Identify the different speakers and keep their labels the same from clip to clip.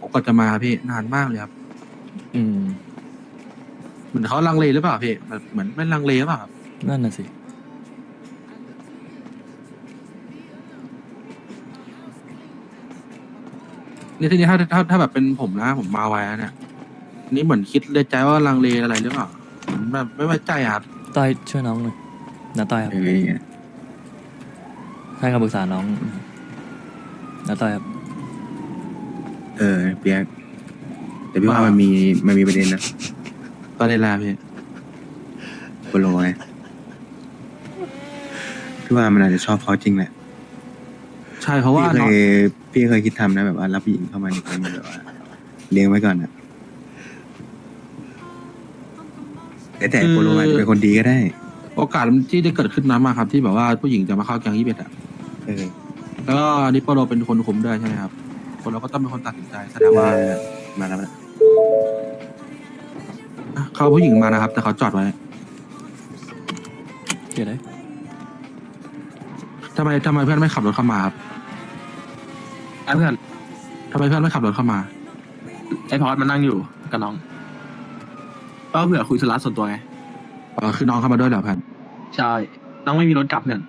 Speaker 1: กว่าจะมาพี่นานมากเลยครับ
Speaker 2: อืม
Speaker 1: เหมือนเขาลังเลหรือเปล่าพี่แบบเหมือนไม่ลังเลหรือเปล่าครับ
Speaker 2: นั่นน่ะสิ
Speaker 1: นี่ทีนี้ถ้าแบบเป็นผมนะผมมาไวแล้วเนี่ยอันนี่เหมือนคิดเลยใจว่าลังเลอะไรหรือเปล่าเหมือนแบบไม่ไว้ใจอะครับ
Speaker 2: ต้อยช่วยน้องหน่อยนะต้อยครับ ให้คำปรึกษาน้องนะต้อยครับ
Speaker 3: เปียกแต่พี่ว่ามันมีประเด็นนะ
Speaker 1: ตอนนี้แหละพี่
Speaker 3: โปโลไงพี่ว่ามันอาจจะชอบเขาจริงแหละ
Speaker 1: ใช่เพราะว่า
Speaker 3: พี่เคยคิดทำนะแบบว่ารับผู้หญิงเข้ามาในแก๊งแบบว่าเลี้ยงไว้ก่อนอะแต่โปโลอาจจะเป็นคนดีก็ได้
Speaker 1: โอกาสที่ได้เกิดขึ้นนั้นมาครับที่แบบว่าผู้หญิงจะมาเข้าแก๊ง21อ่ะ
Speaker 3: เออ
Speaker 1: แล้วก็นิโปโลเป็นคนคุมด้วยใช่ไหมครับคนเราก็ต้องเป็นคนตัดสินใจแสดงว่า
Speaker 3: มาแล้วนะ
Speaker 1: เขาเอาผู้หญิงมานะครับ แต่เขาจอดไว้
Speaker 2: เดี๋ยวได้
Speaker 1: ทำไมเพื่อนไม่ขับรถเข้ามาครับ
Speaker 4: ไอ้เพื่อน
Speaker 1: ทำไมเพื่อนไม่ขับรถเข้ามา
Speaker 4: ไอ้พอดมันนั่งอยู่กับน้องก็เผื่อคุยธุระส่วนตัวไง
Speaker 1: คือน้องเข้ามาด้วยเหรอเพื่อน
Speaker 4: ใช่น้องไม่มีรถกลับเพื่อน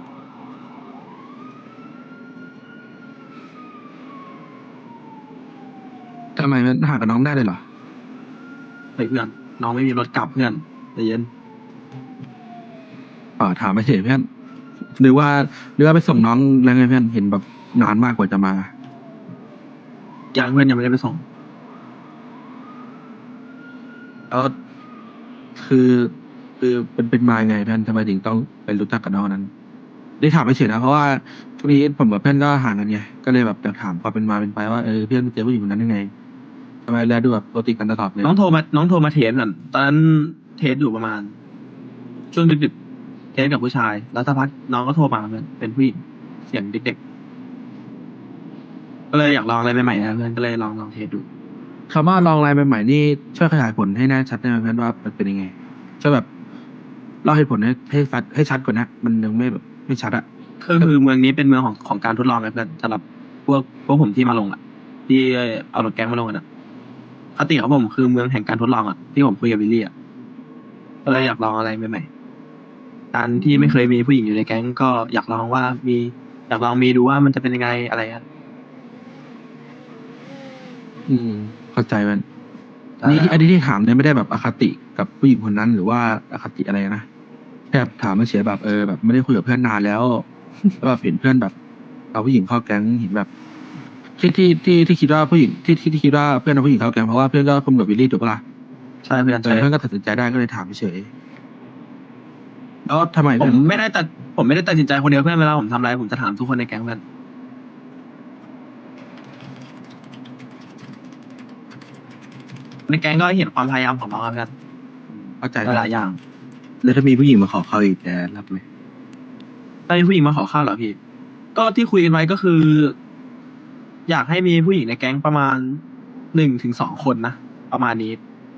Speaker 1: ทำไมไม่หากับน้องได้เลยเหรอ
Speaker 4: เฮ้ยเพื่อนน้องไม่มีรถกลับเพื่อนใจเย็น
Speaker 1: ถามไปเฉยเพื่อนหรือว่าไปส่งน้องแล้วไงเพื่อนเห็นแบบนานมากกว่าจะมา
Speaker 4: ยังเพื่อนยังไม่ได้ไปส่ง
Speaker 1: แล้วคือเป็นมายังไงเพื่อนทำไมถึงต้องไปรู้จักกับน้องคนนั้นได้ถามไปเฉยนะเพราะว่าช่วงนี้ผมกับเพื่อนก็ห่างกันไงก็เลยแบบอยากถามความเป็นมาเป็นไปว่าเพื่อนเจอผู้หญิงคนนั้นยังไงทำไมแลดูแบบโรติดกันตลอดเลย
Speaker 4: น้องโทรมาเทสเพื่อนตอนนั้นเทสอยู่ประมาณ ช่วงดึกๆเทสกับผู้ชาย แล้วสักพักน้องก็โทรมาเพื่อนเป็นผู้หญิงเสียงเด็กๆก็เลยอยากลองอะไรใหม่ๆนะเพื่อนก็เลยลองเทสดู
Speaker 1: คำว่าลองไลน์ใหม่ๆนี่ช่วยขยายผลให้แน่ชัดได้ไหมเพื่อนว่ามันเป็นยังไงช่วยแบบเล่าเหตุผลให้ชัดกว่านะมันยังไม่แบบไม่ชัดอะ
Speaker 4: คือเมืองนี้เป็นเมืองของการทดลองไงเพื่อนสำหรับพวกผมที่มาลงอ่ะที่เอารถแก๊งมาลงกันอ่ะคติของผมคือเมืองแห่งการทดลองอ่ะที่ผมคุยกับวิลลี่อ่ะก็เลยอยากลองอะไรใหม่ๆการที่ไม่เคยมีผู้หญิงอยู่ในแก๊งก็อยากลองว่าอยากลองมีดูว่ามันจะเป็นยังไงอะไรอ่ะ
Speaker 1: เข้าใจมันนี่อันนี้ที่ถามเนี่ยไม่ได้แบบอคติกับผู้หญิงคนนั้นหรือว่าอคติอะไรนะแค่ถามมาเฉยแบบแบบไม่ได้คุยกับเพื่อนนานแล้ว แล้วแบบเห็นเพื่อนแบบเอาผู้หญิงเข้าแก๊งเห็นแบบที่คิดว่าผู้หญิงที่คิดว่าเพื่อนเอาผู้หญิงเข้าแก๊งเพราะว่าเพื่อนก็คุมกับวิลลี่ถูกปะล่ะ
Speaker 4: ใช่เพื่อนใช่
Speaker 1: เพื่อนก็ตัดสินใจได้ก็เลยถามเฉยแล้วทำไม
Speaker 4: ผ
Speaker 1: เพื่อ
Speaker 4: ม
Speaker 1: น
Speaker 4: ไม่ได้ตัดสินใจคนเดียวเพื่อนเวลาผมทำอะไรผมจะถามทุกคนในแก๊งเพื่อนในแก๊งก็เห็นความพยายามของน้องอะเพื่อน
Speaker 1: เข้าใจ
Speaker 4: หลายอย่าง
Speaker 3: แล้วถ้ามีผู้หญิงมาขอเขาอีกจะรับไหม
Speaker 4: ถ้ามีผู้หญิงมาขอข้าวเหรอพี่ ก็ที่คุยกันไว้ก็คือ อยากให้มีผู้หญิงในแก๊งประมาณ1 ถึง 2 คนนะประมาณนี้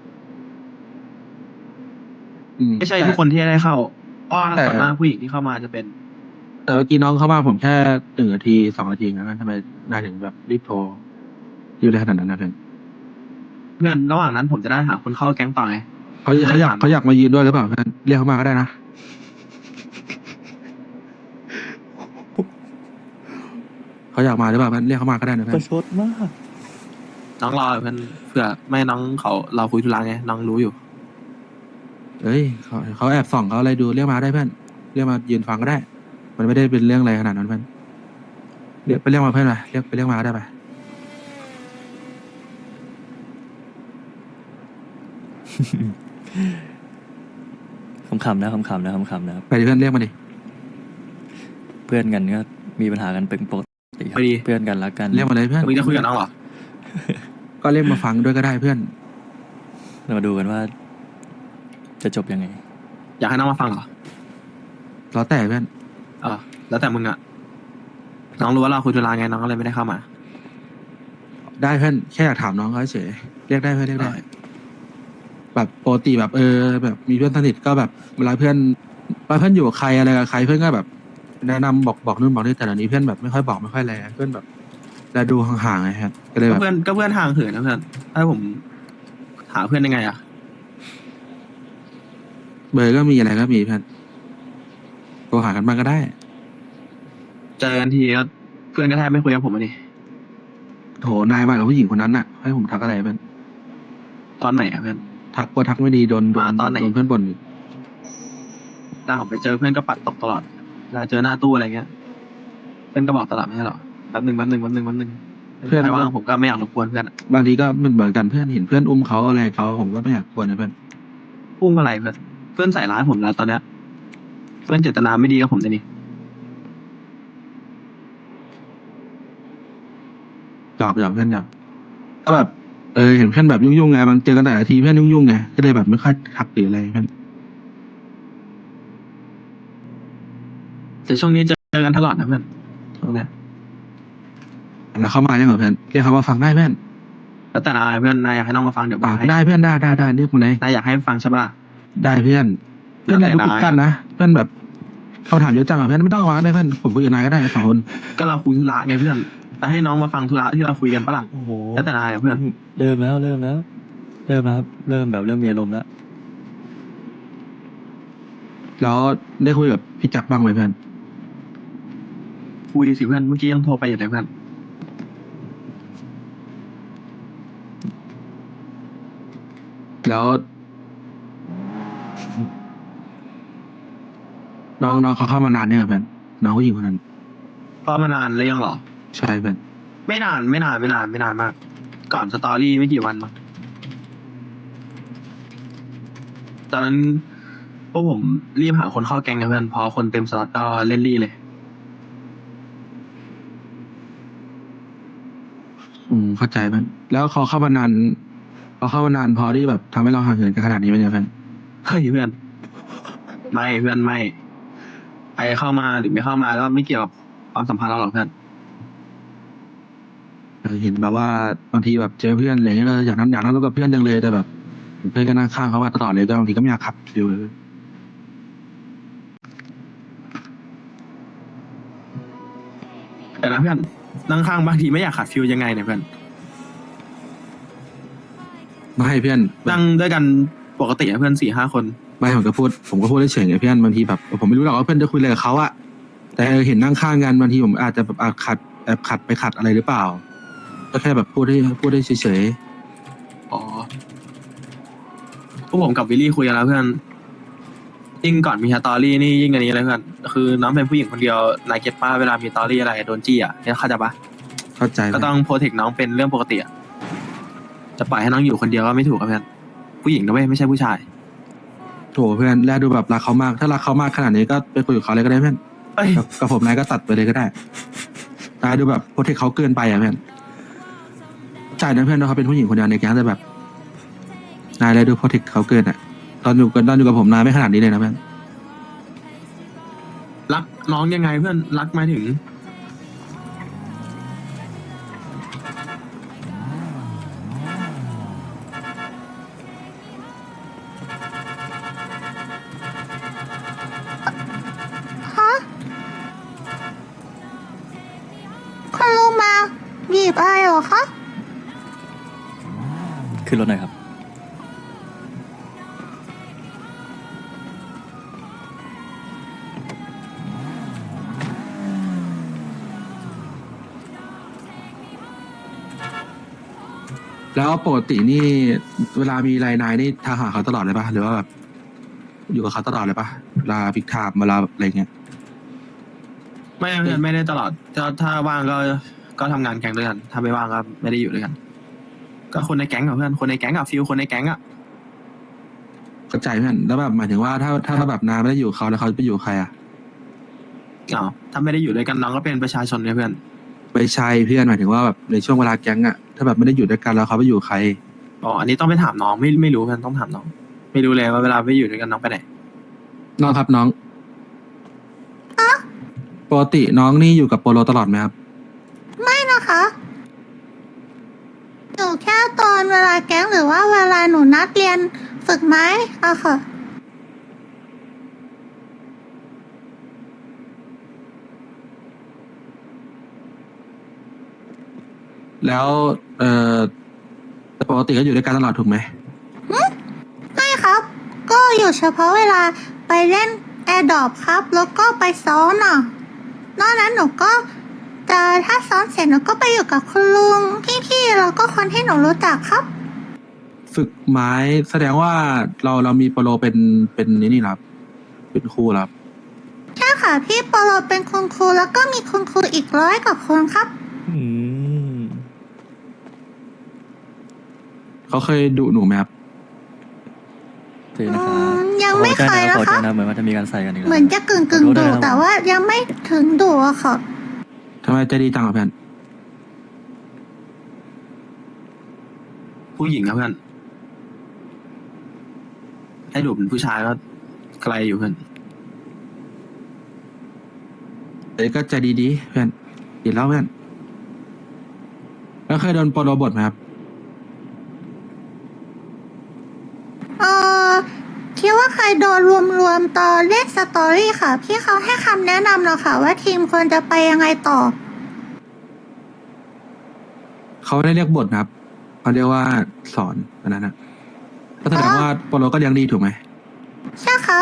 Speaker 4: ไม่ใช่ทุกคนที่ได้เข้าเพราะว่าส่วนมากผู้หญิงที่เข้ามาจะเป็น
Speaker 1: แต่เมื่อกี้น้องเข้ามาผมแค่1 นาที 2 นาทีนะทำไมนายถึงแบบรีบโทรรีบได้ขนาดนั้นนะเพื่อน
Speaker 4: เพื่อนระหว่างนั้นผมจะได้หาคนเข้าแก๊งต่อไง
Speaker 1: เขาอยากมายืนด้วยหรือเปล่าเพื่อนเรียกเขามาก็ได้นะเขาอยากมาหรือเปล่าเพื่อนเรียกเขามาก็ได้นะเพื่
Speaker 2: ป
Speaker 1: อน
Speaker 2: ระชดมาก
Speaker 4: น้องรอเพื่อนเผื่อไม่น้องเขาเราคุยธุระไงน้องรู้อยู่
Speaker 1: เอ้ยเขาแอบส่องเขาอะไรดูเรียกมาได้เพื่อนเรียกมายืนฟังก็ได้ มันไม่ได้เป็นเรื่องอะไรขนาดนั้นเพื่อนเรียกมาเพื่อนไปเรียกมาก็ได้ไป
Speaker 2: ขำๆนะขำๆนะขำๆนะครับ
Speaker 1: ไปดิเพื่อนเรียกมาดิ
Speaker 2: เพื่อนกันก็มีปัญหากันเป็นปกติครับ
Speaker 4: พอดี
Speaker 2: เพื่อนกันรักกัน
Speaker 1: เรียกมาเลยเพื่อน
Speaker 4: มึงจะคุยกับน้องเหรอ
Speaker 1: ก็เรียกมาฟังด้วยก็ได้เพื่อน
Speaker 2: เรามาดูกันว่า จะจบยังไง
Speaker 4: อยากให้น้องมาฟังเหรอ
Speaker 1: แล้วแต่เพื่อน
Speaker 4: แล้วแต่มึงอะน้องรู้ว่าเราคุยธุระไงน้องก็เลยไม่ได้เข้ามา
Speaker 1: ได้เพื่อนแค่อยากถามน้องเขาเฉยเรียกได้เพื่อนเรียกได้ แบบปกติแบบแบบมีเพื่อนสนิทก็แบบเวลาเพื่อนอยู่กับใครอะไรกับใครเพื่อนก็แบบ แนะนำบอกนู่นบอกนี่แต่เดี๋ยวนี้เพื่อนแบบไม่ค่อยบอกไม่ค่อยอะไรเพื่อนแบบและดูห่างๆไงครับก็เลยแบบ
Speaker 4: ก็เพื่อนห่างเหินนะเพื่อนถ้าผมหาเพื่อนยังไงอะ
Speaker 1: เบอร์ก็มีอะไรก็มีเพื่อนโทรหากันบ้างก็ได้
Speaker 4: เจอกันทีก็เพื่อนก็แทบไม่คุยกับผมเลย
Speaker 1: โถนายมากับผู้หญิงคนนั้นน่ะให้ผมทักอะไรเพื่อน
Speaker 4: ตอนไหนอะเพื่อน
Speaker 1: ทักว่าทักไม่ดีโดน
Speaker 4: มาตอนไหน
Speaker 1: โดนเพื่อนบ่นอีก
Speaker 4: ถ้าผมไปเจอเพื่อนก็ปัดตกตลอดเวลาเจอหน้าตู้อะไรเงี้ยเพื่อนก็บอกตลอดไม่ใช่หรอแป๊บหนึ่ง
Speaker 1: เพื่อน
Speaker 4: ใครว่างผมก็ไม่อยากรบกวนเพื่อนอะ
Speaker 1: บางทีก็เหมือนกันเพื่อนเห็นเพื่อนอุ้มเขาอะไรเขาผมก็ไม่อยากกวนนะเพื่อน
Speaker 4: พุ่งอะไรเพื่อนใส่ร้ายผมแล้วตอนเนี้ยเพื่อนเจตนาไม่ดีกับผมเลยนี่
Speaker 1: หยอกเพื่อนหยอกก็แบบเห็นเพื่อนแบบยุ่งๆไงบางเจอกันแต่ละทีเพื่อนยุ่งๆไงก็เลยแบบไม่ค่อยทักหรืออะไรเพื่อน
Speaker 4: แต่ช่วงนี้เจอกันตลอดนะเพื่อนช่วงเนี้ย
Speaker 1: แล้วเข้ามายังเหรอเพื่อนแค่เขาว่าฟังได้เพื่อน
Speaker 4: แล้วแต่นายเพื่อนนายอยากให้น้องมาฟังเดี๋ยวบอกให้
Speaker 1: ได้เพื่อนได้เรียกมาเลย
Speaker 4: นายอยากให้ฟังใช่ปะล่ะ
Speaker 1: ได้เพื่อนเพื่อนอะไรทุก
Speaker 4: ได้
Speaker 1: กันนะเพื่อนแบบเขาถามเยอะจังอะเพื่อนไม่ต้องวางได้เพื่อนผมคุยกับนายก็ได้สองคน
Speaker 4: ก็เราคุยธุระไงเพื่อนแต่ให้น้องมาฟังธุระที่เราคุยกันปะล่ะ
Speaker 2: โอ้โห
Speaker 4: แล้วแต่นายอะเพื่อน
Speaker 2: เริ่มแล้วเริ่มแล้วครับเริ่มแบบเริ่มมีอารมณ์แล้ว
Speaker 1: แล้วได้คุยกับพี่จักรบ้างไหมเพื่อน
Speaker 4: คุยสิเพื่อนเมื่อกี้ยังโทรไปอยู่เลยเพื่อน
Speaker 1: แล้วน้องเขาเข้ามานานเนี่ยงอะเพื่อนน้องผู้หญิงคนนั้น
Speaker 4: เพราะมานานเลยยังเหรอ
Speaker 1: ใช่เพื่อน
Speaker 4: ไม่นานมาก ก่อนสตอรี่ไม่กี่วันมั้งตอนนั้นพวกผมรีบหาคนเข้าแก๊งนะเพื่อนพอคนเต็มสล็อตก็เล่นรี่เลย
Speaker 1: เข้าใจเพื่อนแล้วเขาเข้ามานานพอที่แบบทำให้เราห่างเหินกันขนาดนี้ไหมเนี่ยเพื่อน
Speaker 4: เฮ้ยเพื่อน ไม่เพื่อนไม่ใครเข้ามาหรือไม่เข้ามาก็ไม่เกี่ยวกับความสัมพันธ์เราหรอกเพื่อน
Speaker 1: เห็นแบบว่าบางทีแบบเจอเพื่อนอะไรเงี้ยก็อยากนั่งรถกับเพื่อนจังเลยแต่แบบเพื่อนก็นั่งข้างเขามาตลอดเลยก็บางทีก็ไม่อยากขับฟิวเลย
Speaker 4: แต่นะเพื่อนนั่งข้างบางทีไม่อยากขัดฟิลยังไงเนี่ยเพื่อน
Speaker 1: ไม่ให้เพื่อน
Speaker 4: นั่งด้วยกันปกติอะเพื่อน4-5 คน
Speaker 1: ไม่ผมก็พูดเฉยๆไงเพื่อนบางทีแบบผมไม่รู้หรอกว่าเพื่อนจะคุยอะไรกับเขาอะแต่เห็นนั่งข้างกันบางทีผมอาจจะแบบแอบขัดไปขัดอะไรหรือเปล่าก็แค่แบบพูดได้เฉย
Speaker 4: อ๋อพวกผมกับวิลลี่คุยกันแล้วเพื่อนยิ่งก่อนมีสตอรี่นี่ยิ่งอันนี้เลยเพื่อนคือน้องเป็นผู้หญิงคนเดียวนายเก็ตป้าเวลามีสตอรี่อะไรโดนจี้อ่ะเนี่ยเข้าใจปะ
Speaker 1: ๆเข้าใจ
Speaker 4: ก็ต้องโปรเทคน้องเป็นเรื่องปกติอ่ะจะปล่อยให้น้องอยู่คนเดียวก็ไม่ถูกครับเพื่อนผู้หญิงนะเว้ยไม่ใช่ผู้ชาย
Speaker 1: โถเพื่อนแลดูแบบรักเขามากถ้ารักเขามากขนาดนี้ก็ไปคุยกับเขาเลยก็ได้เพื่อน
Speaker 4: เอ้ย
Speaker 1: กับผมนายก็ตัดไปเลยก็ได้นายดูแบบโปรเทคเขาเกินไปอะเพื่อนใจนะเพื่อนว่าเขาเป็นผู้หญิงคนเดียวในแก๊งแต่แบบนายเลยดูโปรเทคเขาเกินอะตอนอยู่กับผมนายไม่ขนาดนี้เลยนะเพื่อน
Speaker 4: รักน้องยังไงเพื่อนรักหมายถึง
Speaker 5: ฮะคุณลุงมาบีบอะไรเหรอคะ
Speaker 2: ขึ้นรถหน่อยครับ
Speaker 1: แล้วปกตินี่เวลามีรายนายนี่ทางหาเขาตลอดเลยปะหรือว่าแบบอยู่กับเขาตลอดเลยปะเวลาพิกไทม์เวลาแบบอะไรเงี้ย
Speaker 4: ไม่เพื่อนไม่ได้ตลอดถ้าว่างก็ทำงานแก๊งด้วยกันถ้าไม่ว่างก็ไม่ได้อยู่ด้วยกัน ก็คนในแก๊งกับเพื่อนคนในแก๊งกับฟิลคนในแก๊งอ่ะ
Speaker 1: เข้าใจเพื่อนแล้วแบบหมายถึงว่าถ้าแบบนายไม่ได้อยู่กับเขาแล้วเขาไปอยู่กับใครอะ
Speaker 4: อ๋อถ้าไม่ได้อยู่ด้วยกันน้องก็เป็นประชาชนเนี่ยเพื่อน
Speaker 1: ไม่ใช่เพื่อนหมายถึงว่าแบบในช่วงเวลาแก๊งอะถ้าแบบไม่ได้อยู่ด้วยกันแล้วเขาไปอยู่กับใคร
Speaker 4: อ๋ออันนี้ต้องไปถามน้องไม่รู้เพื่อนต้องถามน้อง ไม่รู้เลยว่าเวลาไปอยู่ด้วยกันน้องไปไหน
Speaker 1: น้องครับน้องปกติน้องนี่อยู่กับโปโลตลอดไหมครับ
Speaker 5: ไม่นะคะอยู่แค่ตอนเวลาแก๊งหรือว่าเวลาหนูนัดเรียนฝึกไม้อะค่ะ
Speaker 1: แล้วแต่ปกติก็อยู่ด้วยกันตลอดถูกไหม
Speaker 5: ไม่ครับ ก็อยู่เฉพาะเวลาไปเล่นแอร์ดรอปครับ แล้วก็ไปซ้อมน่ะนอกนั้นหนูก็จะถ้าซ้อมเสร็จหนูก็ไปอยู่กับคุณลุงพี่ๆแล้วก็คนที่หนูรู้จักครับ
Speaker 1: ฝึกไม้แสดงว่าเรามีโปรเป็นนี่ครับ เป็นครูครับ
Speaker 5: ใช่ค่ะพี่โปโลเป็นคุณครูแล้วก็มีคุณครูอีก100 กว่าคนครับ
Speaker 2: อืม
Speaker 1: เขาเคยดุหนูไหมครับ
Speaker 2: เจนนะครับ
Speaker 5: ยังไม่เคยนะ
Speaker 2: ขอ
Speaker 5: ค
Speaker 2: โท
Speaker 5: รั
Speaker 2: ษ
Speaker 5: บ
Speaker 2: นะเหมือนว่าจะมีการใส่กันอีกแล้ว
Speaker 5: เหมือนจะกึ่ง
Speaker 2: ขอโทษด้
Speaker 5: ดุ
Speaker 2: วยนะครับ
Speaker 5: แต่ว่ายังไม่ถึงดุอะค่ะ
Speaker 1: ทำไมใจดีจังอ่ะเพื่อน
Speaker 4: ผู้หญิงครับเพื่อนให้ดูเป็นผู้ชายก็ไกลอยู่เพื่อน
Speaker 1: ก็ใจดีๆเพื่อนดีแล้วเพื่อน แล้วเคยโดนโปรบทไหมครับ
Speaker 5: เออคิดว่าเคยโดนรวมตอนเล่นสตอรี่ค่ะ พี่เขาให้คำแนะนำเราค่ะ ว่าทีมควรจะไปยังไงต่อ
Speaker 1: เขาไม่ได้เรียกบทนะครับเขาเรียกว่าสอนอันนั้นนะก็แสดงว่าโปรก็เลี้ยงดีถูกไหม
Speaker 5: ใช่ครับ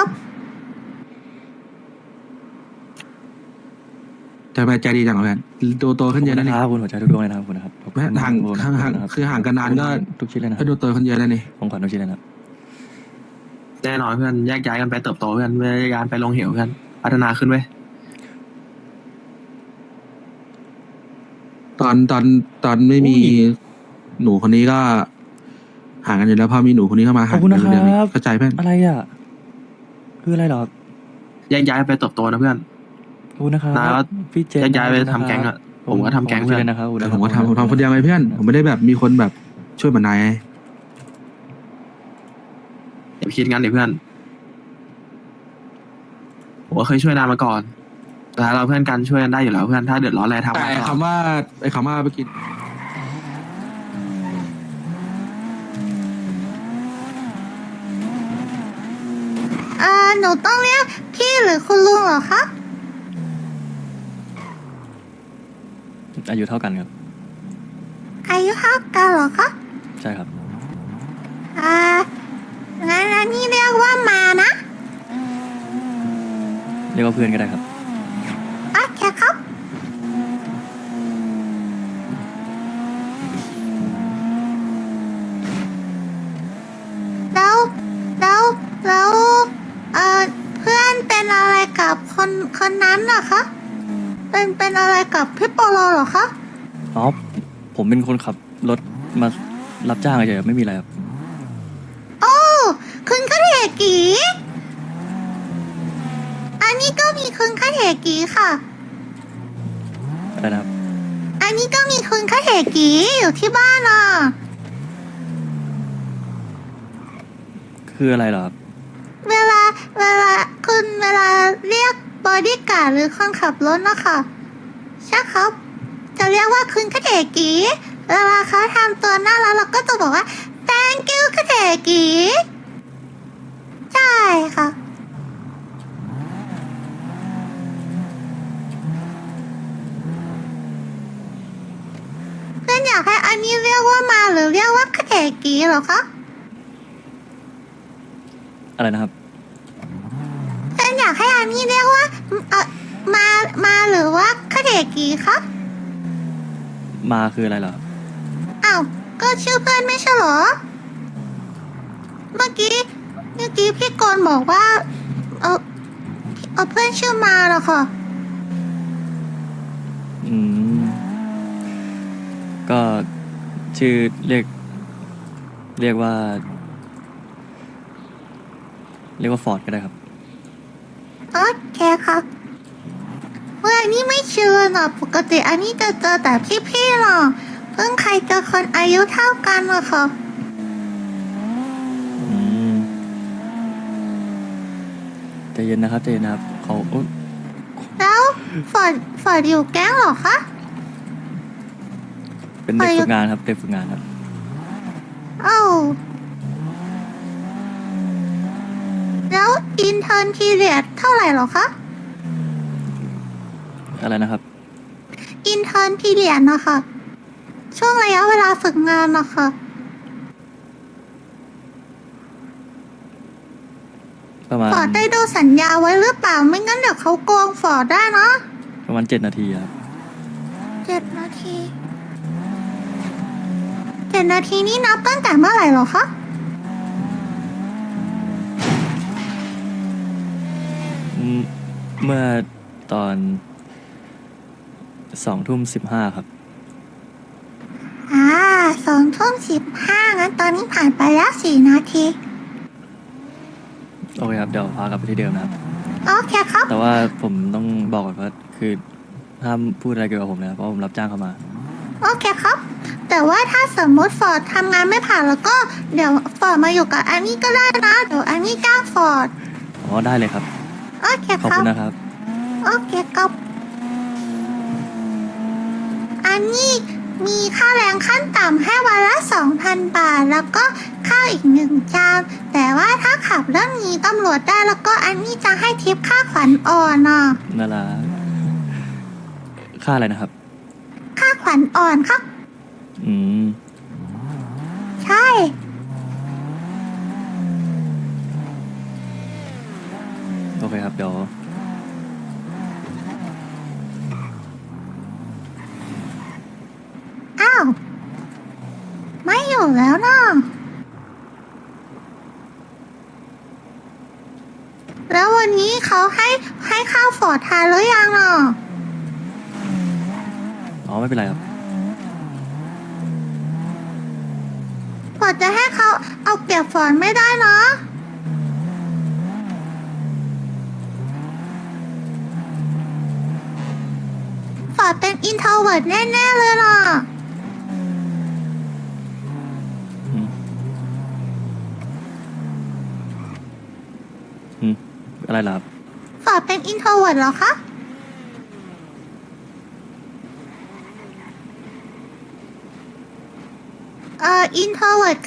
Speaker 1: ทำไมใจดีจังอ่ะเพื่อนโตขึ้นเยอะ
Speaker 2: ข
Speaker 1: นะ
Speaker 2: อบคุณ
Speaker 1: นี่
Speaker 2: นะครับคุณหัวใจทุกดวงเลยนะครับขอบคุณนะครับขอบคุณ
Speaker 1: ไม่ห่าง
Speaker 2: ขอบคุณ
Speaker 1: ห่าง
Speaker 2: นะครับ
Speaker 1: คือห่างกันนานก็
Speaker 2: ทุกชิ้นเลยนะค
Speaker 1: ก็
Speaker 2: รับ
Speaker 1: ดูโตขึ้นเยอะนะนี่
Speaker 2: ของขวัญทุกชิ้นเลยนะครับ
Speaker 4: แน่นอนเพื่อนแยกย้ายกันไปเติบโตเพื่อนแยกย้ายไปลงเหวเพื่อนพัฒนาขึ้นเว้ย
Speaker 1: ตอนไม่มีหนูคนนี้ก็ห่างกันอยู่แล้วพอมีหนูคนนี้เข้ามา
Speaker 2: ข
Speaker 1: ห่า
Speaker 2: อง บคุณ
Speaker 1: กั
Speaker 2: นะ
Speaker 1: น
Speaker 2: ค
Speaker 1: เดือน
Speaker 2: รับ
Speaker 1: เข้าใจเพื่อน
Speaker 2: อะไรอ่ะ คืออะไรเหรอครับ
Speaker 4: แยกย้ายไปเติบโตนะเพื่อน
Speaker 2: ขอบคุณนะครับ
Speaker 4: นะแล้ว
Speaker 2: พี่เจ
Speaker 4: แยกย้ายไปทำแก๊งอะผมก็ทำแก๊ง
Speaker 2: ขอบ
Speaker 4: เพื่
Speaker 2: คุ
Speaker 4: อน
Speaker 2: ณนะครับขอบคุณ
Speaker 1: แต่
Speaker 2: นะ
Speaker 1: ผมก็
Speaker 2: รับ
Speaker 1: ทำคนเดียวไงเพื่อน ผมไม่ได้แบบมีคนแบบช่วยเหมือนนายไง
Speaker 4: อย่าไปคิดงั้นดิเพื่อนผมก็เคยช่วยนานมาก่อน แต่ถ้าเราเพื่อนกันช่วยกันได้อยู่แล้วเพื่อนถ้าเดือดร้อนอะไรทำ
Speaker 1: แต่
Speaker 4: มา
Speaker 1: ไอ้
Speaker 4: ก่อน
Speaker 1: คำว่าไอ้คำว่าไปกิน
Speaker 5: หนูต้องเรียกพี่หรือคุณลุงเหรอคะ
Speaker 2: อายุเท่ากันครับ
Speaker 5: อายุเท่ากันเหรอคะ
Speaker 2: ใช่ครับ
Speaker 5: งั้นอันนี่เรียกว่ามานะ
Speaker 2: เรียกว่าเพื่อนก็ได้ครับ
Speaker 5: โอเคครับ แล้วแล้วเพื่อนเป็นอะไรกับคนนั้นเหรอคะ เป็นอะไรกับพี่โปโลเหรอคะ
Speaker 2: อ๋อ ผมเป็นคนขับรถมารับจ้างเฉยๆครับไม่มีอะไรครับ
Speaker 5: โอ้คุณคาเทกีอันนี้ก็มีคุณคาเทกีค่ะ
Speaker 2: อะไรนะครับ
Speaker 5: อันนี้ก็มีคุณคาเทกีอยู่ที่บ้านอ่ะ
Speaker 2: คืออะไรเหรอครับ
Speaker 5: เวลาคุณเวลาเรียกบอดี้การ์ดหรือคนขับรถนะคะใช่ครับ จะเรียกว่าคุณคาเทกีเวลาเขาทำตัวน่ารักเราก็จะบอกว่า thank you คาเทกีใช่ค่ะ เพื่อนอยากให้อันนี้เรียกว่ามาหรือเรียกว่าคาเทกีเหรอคะ
Speaker 2: อะไรนะครับ
Speaker 5: เพื่อนอยากให้อันนี้เรียกว่ามาหรือว่าคาเทกีคะ
Speaker 2: มาคืออะไรเหรอครับ
Speaker 5: อ้าว ก็ชื่อเพื่อนไม่ใช่เหรอ เมื่อกี้พี่กรณ์บอกว่า เพื่อนชื่อมาเหรอคะ
Speaker 2: อืม ก็ชื่อเรียกว่า ฟอร์ดก็ได้ครับ
Speaker 5: โอเคครับเมื่ออันนี้ไม่เชื่อหรอกปกติอันนี้จะเจอแต่พี่ๆหรอกเพิ่งใครเจอคนอายุเท่ากันหรอคะ
Speaker 2: อืมใจเย็นนะครับใจเย็นนะครับเขาโอ๊ย
Speaker 5: แล้วฟอร์ดอยู่แก๊งเหรอคะ
Speaker 2: เป็นเด็กฝึกงานครับเด็กฝึกงานครับ
Speaker 5: เอ้าแล้วอินเทอร์นพีเรียดเท่าไหร่เหรอคะ
Speaker 2: อะไรนะครับ
Speaker 5: อินเทอร์นพีเรียดนะคะช่วงระยะเวลาฝึกงานนะคะ
Speaker 2: ประมาณ
Speaker 5: ฟอร์ดได้ดูสัญญาไว้หรือเปล่าไม่งั้นเดี๋ยวเขาโกงฟอร์ดได้นะ
Speaker 2: ประมาณ7 นาทีครับ
Speaker 5: 7 นาที 7 นาทีนี่นับตั้งแต่เมื่อไหร่เหรอคะ
Speaker 2: เมื่อตอน2:15ครับ
Speaker 5: 2 ทุ่ม 15งั้นตอนนี้ผ่านไปแล้ว4 นาที
Speaker 2: โอเคครับ เดี๋ยวพากลับไปที่เดิมนะครับ
Speaker 5: โอเคครับ
Speaker 2: แต่ว่าผมต้องบอกก่อนว่าคือห้ามพูดอะไรเกี่ยวกับผมนะครับเพราะผมรับจ้างเข้ามา
Speaker 5: โอเคครับ แต่ว่าถ้าสมมติฟอร์ดทำงานไม่ผ่านแล้วก็เดี๋ยวฟอร์ดมาอยู่กับอันนี้ก็ได้นะ เดี๋ยวอันนี้จ้างฟอร์ด
Speaker 2: อ๋อได้เลยครับ
Speaker 5: โอเค
Speaker 2: ขอบ
Speaker 5: ครั
Speaker 2: คุ
Speaker 5: บ
Speaker 2: ณนะครับ
Speaker 5: โอเคครับ อันนี้มีค่าแรงขั้นต่ำให้วันละ 2,000 บาท แล้วก็ข้าวอีก1 จาน แต่ว่าถ้าขับเรื่องนี้ตำรวจได้แล้วก็อันนี้จะให้ทิปค่าขวัญอ่อนอ่ะ
Speaker 2: น่ารักค่าอะไรนะครับ
Speaker 5: ค่าขวัญอ่อนครับ
Speaker 2: อืม
Speaker 5: ใช่
Speaker 2: โอเคครับ เดี๋ยว
Speaker 5: อ้าว ไม่อยู่แล้วนะแล้ววันนี้เขาให้ข้าวฟอร์ดทานหรือยังอ่ะ
Speaker 2: อ๋อไม่เป็นไรครับ
Speaker 5: ฟอร์ดจะให้เขาเอาเปรียบฟอร์ดไม่ได้นะฟอร์ดเป็นอินโทรเวิร์ตแน่ๆเลยล่ะ
Speaker 2: อะไรล่ะครับ
Speaker 5: ฟอร์ดเป็นอินโทรเวิร์ตเหรอคะ อินโทรเวิร์ต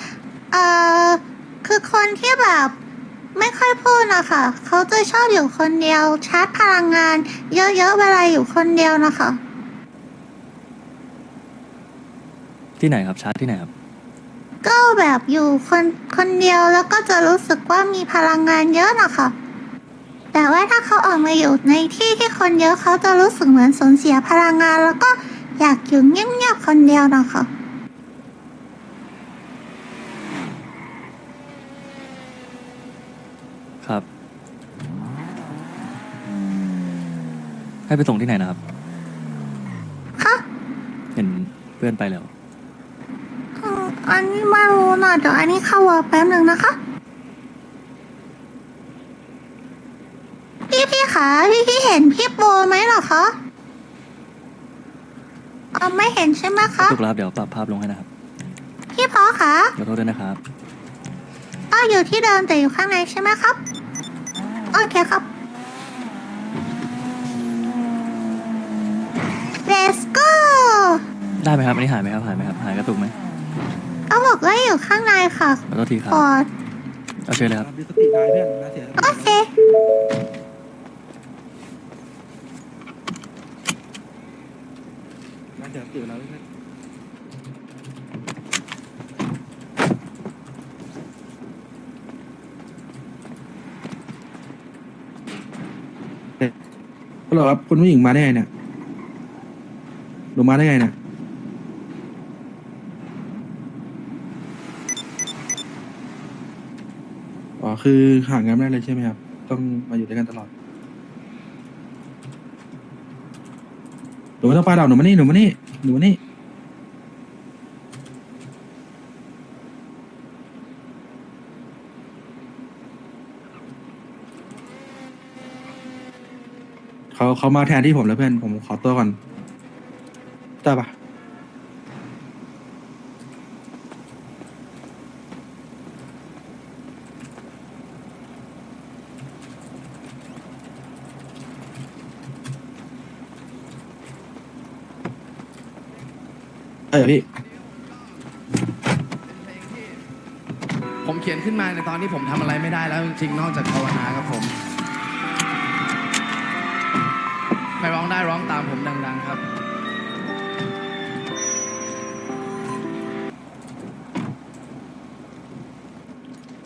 Speaker 5: คือคนที่แบบไม่ค่อยพูดนะคะเขาจะชอบอยู่คนเดียวชาร์จพลังงาน เยอะๆเวลาอยู่คนเดียวนะคะ
Speaker 2: ที่ไหนครับชาร์จที่ไหนครับ
Speaker 5: ก็แบบอยู่คนเดียวแล้วก็จะรู้สึกว่ามีพลังงานเยอะนะคะ แต่ว่าถ้าเขาออกมาอยู่ในที่ที่คนเยอะเขาจะรู้สึกเหมือนสูญเสียพลังงาน แล้วก็อยากอยู่เงียบๆคนเดียวนะคะ
Speaker 2: ครับ ให้ไปส่งที่ไหนนะครับ
Speaker 5: ค่ะ
Speaker 2: เห็นเพื่อนไปแล้ว
Speaker 5: อันนี้ไม่รู้นะเดี๋ยวอันนี้เข้าวอลแป๊บหนึ่งนะคะ พี่คะพี่เห็นพี่โบไหมเหรอคะไม่เห็นใช่ไหมคะ
Speaker 2: ถูกแล้วครับเดี๋ยวปรับภาพลงให้นะครับ
Speaker 5: พี่พอคะ
Speaker 2: ขอโทษด้วยนะครับ
Speaker 5: อยู่ที่เดิมแต่อยู่ข้างในใช่ไหมครับ โอเคครับ Let's go
Speaker 2: ได้ไหมครับอันนี้หายไหมครับหายไหมครับหายกระตุกไหม
Speaker 5: เขาบอกว่าอยู่ข้างในค่ะ
Speaker 2: ขอโทษทีครับ
Speaker 5: ฟอร์ด
Speaker 2: เอาเชิญเลยครับ
Speaker 1: มีสติได้เพื่อนนะเสีย
Speaker 5: โอเค
Speaker 1: นะเสียสติแล้วเพื่อนฮัลโหลครับคุณผู้หญิงมาได้ไงเนี่ยหนูมาได้ไงเนี่ยอ๋อคือห่างกันไม่ได้เลยใช่ไหมครับต้องมาอยู่ด้วยกันตลอดหนูไม่ต้องไปหรอกหนูมานี่หนูมานี่หนูมานี่เขามาแทนที่ผมแล้วเพื่อนผมขอตัวก่อนได้ปะพี่
Speaker 6: ผมเขียนขึ้นมาในตอนที่ผมทำอะไรไม่ได้แล้วจริงๆนอกจากภาวนาครับผมใครร้องได้ร้องตามผมดังๆครับ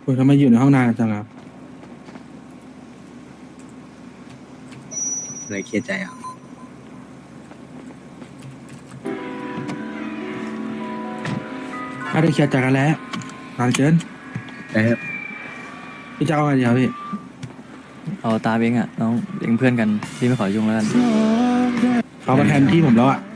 Speaker 1: ยทำไมอยู่ในห้องนานจังครับ
Speaker 3: อะไรเครียดใจอ่ะ
Speaker 1: ไม่ได้เคลียร์ใจกันแล้วนานเกิน
Speaker 3: แต่
Speaker 1: พี่จะเอาไงดีครับพี่
Speaker 2: เอาตามเองอ่ะน้องเองเพื่อนกันพี่ไม่ขอยุ่งแล้วกัน
Speaker 1: เขามาแทนที่ผมแล้วอ่ะ